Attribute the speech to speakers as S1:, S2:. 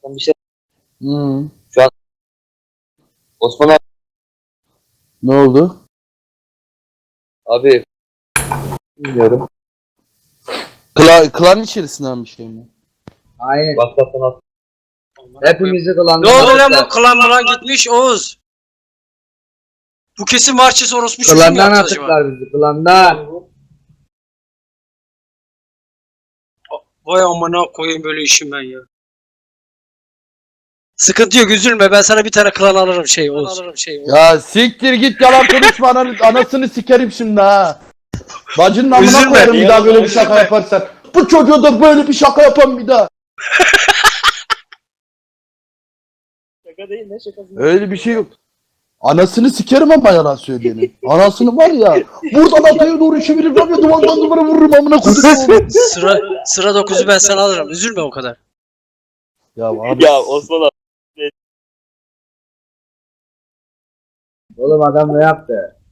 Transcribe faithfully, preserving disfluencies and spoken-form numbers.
S1: bir şey.
S2: Hmm.
S1: Osman abi,
S2: Ne oldu?
S1: abi bilmiyorum.
S2: Kla klan içerisinden bir şey mi?
S3: Aynen.
S1: WhatsApp'tan at.
S3: Hepimizi
S4: Ne
S3: kılandan
S4: oldu lan
S3: attılar.
S4: bu klan mılan gitmiş Oğuz? Bu kesin Marçes orospu çocuğu mu
S3: Klandan
S4: yaptı acaba?
S3: attılar bizi. Klandan.
S4: Vay amına koyayım böyle işim ben ya. Sıkıntı yok üzülme ben sana bir tane klan alırım şey Oğuz. Alırım şey Oğuz.
S2: Ya siktir git yalan konuşma ananı, anasını sikerim şimdi ha. Bacının amına
S4: Üzülme.
S2: koyarım bir daha böyle bir
S4: Üzülme.
S2: şaka yaparsan. Bu çocuğa da böyle bir şaka yapan bir daha.
S1: Şaka değil ne şakası?
S2: Öyle bir şey yok. Anasını sikerim ama yalan söyleyenin. Anasını var ya. Buradan ataya doğru çeviririm ya duvardan duvara vururum amına koyayım.
S4: Sıra sıra dokuzu ben sana alırım üzülme o kadar.
S2: Ya abi.
S1: Ya Osman abi.
S3: Oğlum adam ne yaptı?